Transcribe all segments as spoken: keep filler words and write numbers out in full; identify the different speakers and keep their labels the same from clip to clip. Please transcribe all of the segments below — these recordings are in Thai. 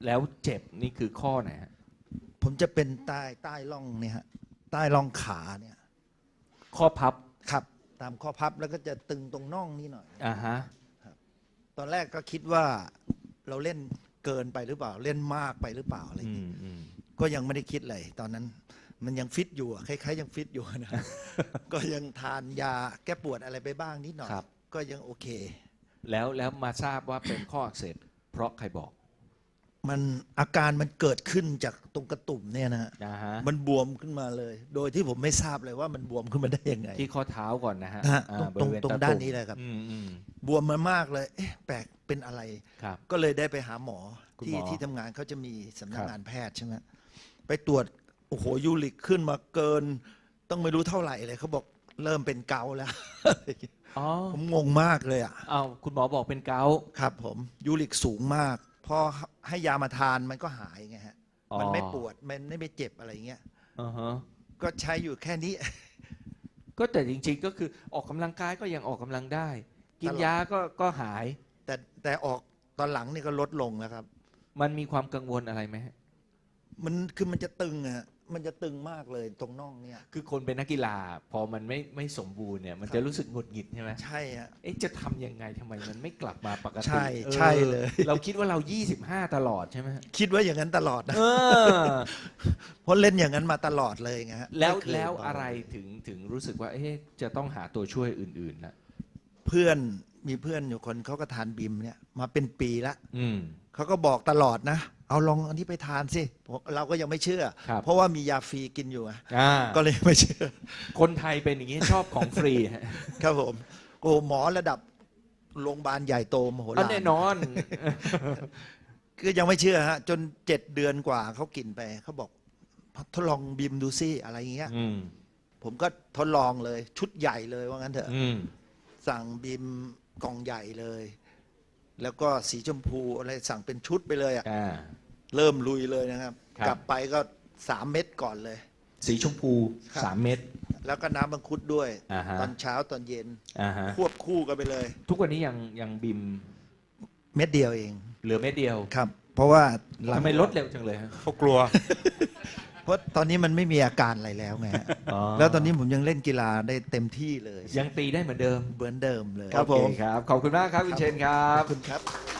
Speaker 1: แล้วเจ็บนี่คือข้อไหนฮะ
Speaker 2: ผมจะเป็นใต้ใต้ร่องเนี่ยฮะใต้ร่องขาเนี่ย
Speaker 1: ข้อพับ
Speaker 2: ครับตามข้อพับแล้วก็จะตึงตรงน่องนี่หน่อย
Speaker 1: อ่าฮะ
Speaker 2: ตอนแรกก็คิดว่าเราเล่นเกินไปหรือเปล่าเล่นมากไปหรือเปล่าอะไรอย่าง
Speaker 1: อื
Speaker 2: งี้
Speaker 1: มอืม
Speaker 2: ก็ยังไม่ได้คิดเลยตอนนั้นมันยังฟิตอยู่อะคล้ายๆยังฟิตอยู่นะ ก็ยังทานยาแก้ปวดอะไรไปบ้างนิดหน่อย
Speaker 1: ครับ
Speaker 2: ก็ยังโอเค
Speaker 1: แล้วแล้วมาทราบว่าเป็นข้ออักเสบเพราะใครบอก
Speaker 2: มันอาการมันเกิดขึ้นจากตรงกระตุ่มเนี่ยนะฮะ
Speaker 1: นะฮะ
Speaker 2: มันบวมขึ้นมาเลย โดยที่ผมไม่ทราบเลยว่ามันบวมขึ้นมาได้ยังไง
Speaker 1: ที่ข้อเท้าก่อนนะฮะ
Speaker 2: นะฮะ
Speaker 1: อ่า
Speaker 2: ตรง
Speaker 1: บริเวณ
Speaker 2: ตรง
Speaker 1: ตะ
Speaker 2: ด้าน
Speaker 1: ตุ่ม
Speaker 2: นี้เลยครับ
Speaker 1: อืมอืม
Speaker 2: บวมมามากเลยเอ๊ะแปลกเป็นอะไร
Speaker 1: ครับ
Speaker 2: ก็เลยได้ไปหาหมอ
Speaker 1: คุณ
Speaker 2: ที่
Speaker 1: หมอ
Speaker 2: ที่ทำงานเขาจะมีสำนั
Speaker 1: ค
Speaker 2: ก
Speaker 1: รับ
Speaker 2: งานแพทย์ใช่ไหมไปตรวจโอ้โหยูริกขึ้นมาเกิน ต้องไม่รู้เท่าไหร่เลยเขาบอกเริ่มเป็นเกาต์แล้ว
Speaker 1: อ๋อ
Speaker 2: ผมงงมากเลยอ่ะ
Speaker 1: เอาคุณหมอบอกเป็นเกาต์
Speaker 2: ครับผมยูริกสูงมาก พอให้ยามาทานมันก็หายไงฮะ
Speaker 1: อ๋อ
Speaker 2: มันไม่ปวดมันไม่ไปเจ็บอะไรเงี้ย
Speaker 1: อ่าฮะ
Speaker 2: ก็ใช้อยู่แค่นี้
Speaker 1: ก็แต่จริงๆก็คือออกกำลังกายก็ยังออกกำลังได้ กิน
Speaker 2: ตลอด
Speaker 1: ยาก็ก็หาย
Speaker 2: แต่แต่ออกตอนหลังนี่ก็ลดลงแล้วครับ
Speaker 1: มันมีความกังวลอะไรไหมฮะ
Speaker 2: มันคือมันจะตึงอะมันจะตึงมากเลยตรงน่องเนี่ย
Speaker 1: คือคนเป็นนักกีฬา พอมันไม่ไม่สมบูรณ์เนี่ยมัน
Speaker 2: ครับ
Speaker 1: จะรู้สึกหงุดหงิดใช่ไหม
Speaker 2: ใช่ฮะ
Speaker 1: เอ๊ะจะทำยังไงทำไมมันไม่กลับมาปกติ
Speaker 2: ใช่
Speaker 1: ออ
Speaker 2: ใช่เลย
Speaker 1: เราคิดว่าเรา ยี่สิบห้า ตลอดใช่ไหมฮะ
Speaker 2: คิดว่าอย่างนั้นตลอดนะ
Speaker 1: เออ
Speaker 2: เพราะเล่นอย่างนั้นมาตลอดเลยไงฮะ
Speaker 1: แล้ว
Speaker 2: ไม่เคย
Speaker 1: แล้ว
Speaker 2: เบา
Speaker 1: อะไรถึงถึงรู้สึกว่าเอ๊ะจะต้องหาตัวช่วยอื่นๆนะ
Speaker 2: เพื่อนมีเพื่อนอยู่คนเขาก็ทานบิมเนี่ยมาเป็นปีละ
Speaker 1: อืม
Speaker 2: เขาก็บอกตลอดนะ เอาลองอันนี้ไปทานสิเราก็ยังไม่เชื่อ
Speaker 1: ครับ
Speaker 2: เพราะว่ามียาฟรีกินอยู่อะ
Speaker 1: อ่า
Speaker 2: ก็เลยไม่เชื่อ
Speaker 1: คนไทยเป็นอย่างนี้ชอบของฟรีฮะ
Speaker 2: ครับผมโอ้หมอระดับโรงพยาบาลใหญ่โตมโห
Speaker 1: อัน
Speaker 2: ฬาร
Speaker 1: แน่นอน
Speaker 2: คือยังไม่เชื่อฮะจนเจ็ดเดือนกว่าเขากินไปเขาบอกทดลองบิมดูซิอะไรอย่างเงี้ย
Speaker 1: อืม
Speaker 2: ผมก็ทดลองเลยชุดใหญ่เลยว่างั้นเถอะ
Speaker 1: อืม
Speaker 2: สั่งบิมกล่องใหญ่เลย แล้วก็สีชมพูอะไรสั่งเป็นชุดไปเลยอะ
Speaker 1: อ่า
Speaker 2: เริ่มลุยเลยนะครับ
Speaker 1: ครับ
Speaker 2: กลับไปก็สามเม็ดก่อนเลย
Speaker 1: สีชมพู
Speaker 2: ครับ
Speaker 1: สามเม็ด
Speaker 2: แล้วก็น้ำมังคุดด้วย
Speaker 1: อ่าฮะ
Speaker 2: ตอนเช้าตอนเย็น
Speaker 1: อ่าฮะ
Speaker 2: ควบคู่กันไปเลย
Speaker 1: ทุกวันนี้ยังยังบิม
Speaker 2: เม็ดเดียวเอง
Speaker 1: เหลือเม็ดเดียว
Speaker 2: ครับ เพราะว่า
Speaker 1: ทำไมลดเร็วจังเลยฮะ
Speaker 3: เขากลัว
Speaker 2: เพราะตอนนี้มันไม่มีอาการอะไรแล้วไงฮะ
Speaker 1: อ๋อ
Speaker 2: แล้วตอนนี้ผมยังเล่นกีฬาได้เต็มที่เลย
Speaker 1: ยังตีได้เหมือนเดิม
Speaker 2: เหมือนเดิมเลย
Speaker 1: โอเคครับ ขอบคุณมากครับคุณเชนครั
Speaker 2: ข
Speaker 1: บ
Speaker 2: อบคุณครับ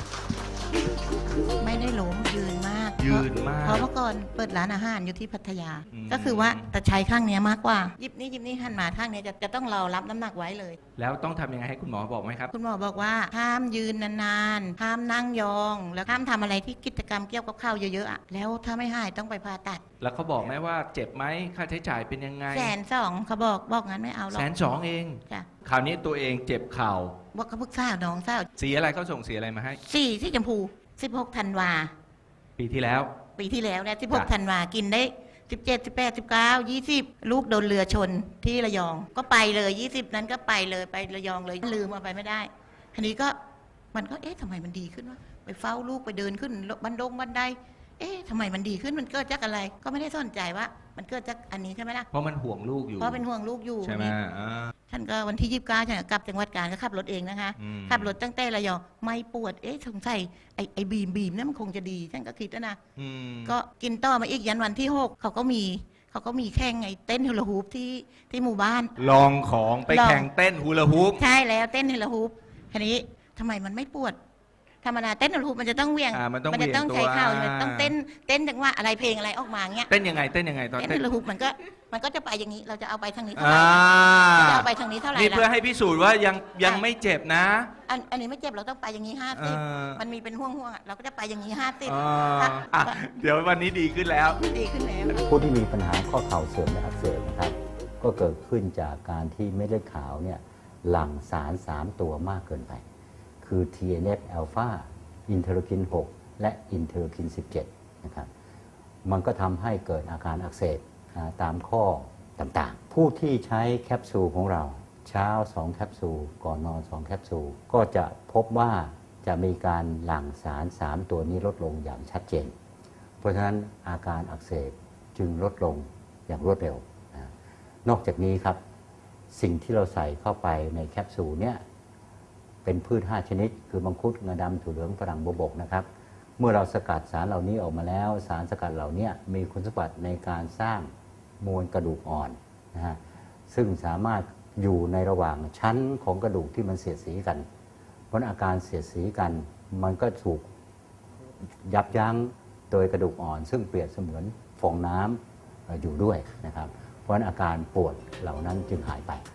Speaker 4: ไม่ได้ล้มยืนมาก
Speaker 1: ยืนมาก
Speaker 4: เพราะเมื่อก่อนเปิดร้านอาหารอยู่ที่พัทยา
Speaker 1: อืม
Speaker 4: ก็คือว่าแต่ใช้ข้างเนี้ยมากกว่ายิบนี้ยิบนี้หันมาข้างเนี้ยจะจะต้องเรารับน้ำหนักไว้เลย
Speaker 1: แล้วต้องทำยังไงให้คุณหมอบอกไหมครับ
Speaker 4: คุณหมอบอกว่าห้ามยืนนานๆห้ามนั่งยอง แล้วห้ามทำอะไรที่กิจกรรมเกี่ยวกับข้าวเยอะๆอะแล้วถ้าไม่หายต้องไปผ่าตัด
Speaker 1: แล้วเขาบอกไหมว่าเจ็บไหมค่าใช้จ่ายเป็นยังไง
Speaker 4: แสนสองเขาบอกบอกงั้นไม่เอาหรอก
Speaker 1: แสนสองเอง
Speaker 4: จ้ะ
Speaker 1: คราวนี้ตัวเองเจ็บเข่า
Speaker 4: บอกเขาพึกษาวน้องสาว
Speaker 1: สีอะไรเขาส่งสีอะไรมาให้
Speaker 4: สี่ที่ชมพูสิบหกธันวา
Speaker 1: ปีที่แล้ว
Speaker 4: ปีที่แล้วเนี่ยสิบหก
Speaker 1: จ้ะ
Speaker 4: ธันวากินได้สิบเจ็ด สิบแปด สิบเก้า ยี่สิบลูกโดนเรือชนที่ระยอง ก็ไปเลยยี่สิบนั้นก็ไปเลยไประยองเลยลืมเอาไปไม่ได้ทีนี้ก็มันก็เอ๊ะทำไมมันดีขึ้นวะไปเฝ้าลูกไปเดินขึ้นบันดงบันไดเอ๊ะทำไมมันดีขึ้นมันเกิดจากอะไร ก็ไม่ได้สนใจว่า มันเกิดจากอันนี้ใช่ไหมล่ะ
Speaker 1: เพราะมันห่วงลูกอยู่
Speaker 4: เพราะเป็นห่วงลูกอยู่
Speaker 1: ใช่ไหม
Speaker 4: นี่
Speaker 1: อ่า
Speaker 4: ท่านก็วันที่ยี่สิบเก้าฉันก็กลับจังหวัดกาญก็ขับรถเองนะคะ
Speaker 1: อืม
Speaker 4: ขับรถตั้งแต่ระยองไม่ปวดเอ๊ะสงสัยไอ้ไอ้บีมบีมเนี่ยมันคงจะดีฉันก็คิดนะนะ
Speaker 1: อืม
Speaker 4: ก็กินต่อมาอีกยันวันที่หกเขาก็มีเขาก็มีแข่งไงเต้นฮูลาฮูปที่ที่หมู่บ้าน
Speaker 1: ลองของไป
Speaker 4: ลอง
Speaker 1: แข่งเต้นฮูลาฮูป
Speaker 4: ใช่แล้วเต้นฮูลาฮูปทีนี้ทำไมมันไม่ปวดธรรมดาเต้นฮูลาฮูปมันจะต้องเหวี่ยง
Speaker 1: อ่ามันต้อง
Speaker 4: จะต้อง
Speaker 1: เหวี่
Speaker 4: ใช้
Speaker 1: ยงตัว
Speaker 4: เข่ามันต้องเต้นเต้นจังหวะอะไรเพลงอะไรออกมาเงี้ย
Speaker 1: เต้นยังไงเต้นยังไงตอน
Speaker 4: เต้น
Speaker 1: เต้น
Speaker 4: ฮูลาฮูปมันก็มันก็จะไปอย่างนี้เราจะเอาไปทางนี้เท่าไห
Speaker 1: อ่า
Speaker 4: ร่เราจะเอาไปทางนี้เท่าไหร่
Speaker 1: นี่เพื่อ
Speaker 4: ล่ะ
Speaker 1: ให้พิสูจน์ว่ายังยังไม่เจ็บนะ
Speaker 4: อันอันนี้ไม่เจ็บเราต้องไปอย่างนี้ห้าสิบ
Speaker 1: เออ
Speaker 4: มันมีเป็นห่วงๆอ่ะเราก็จะไปอย่างนี้ห้าสิบ
Speaker 1: อ่าอ่ะเดี๋ยววันนี้ดีขึ้นแล้ว
Speaker 4: ดีขึ้นแล้ว
Speaker 5: ผู้ที่มีปัญหาข้อเข่าเสื่อมและอักเสบนะครับ ก็เกิดขึ้นจากการที่เม็ดเลือดขาวเนี่ยหลั่งสาร สาม ตัวมากเกินไป คือ ที เอ็น เอฟ อลฟา อินเทอร์คิน หก และอินเทอร์คิน สิบเจ็ด นะครับ มันก็ทำให้เกิดอาการอักเสบนะตามข้อต่างๆ ผู้ที่ใช้แคปซูลของเราเช้า สอง แคปซูล ก่อนนอน สอง แคปซูล ก็จะพบว่าจะมีการหลั่งสาร สาม ตัวนี้ลดลงอย่างชัดเจน เพราะฉะนั้นอาการอักเสบจึงลดลงอย่างรวดเร็วนะนอกจากนี้ครับ สิ่งที่เราใส่เข้าไปในแคปซูลเนี่ยเป็นพืช ห้า ชนิด คือมังคุดงาดำถั่วเหลืองฝรั่งบวบกนะครับเมื่อเราสกัดสารเหล่านี้ออกมาแล้วสารสกัดเหล่านี้มีคุณสมบัติในการสร้างมวลกระดูกอ่อนนะฮะซึ่งสามารถอยู่ในระหว่างชั้นของกระดูกที่มันเสียดสีกันเพราะอาการเสียดสีกันมันก็ถูกยับยั้งโดยกระดูกอ่อนซึ่งเปรียบเสมือนฟองน้ำอยู่ด้วยนะครับเพราะอาการปวดเหล่านั้นจึงหายไป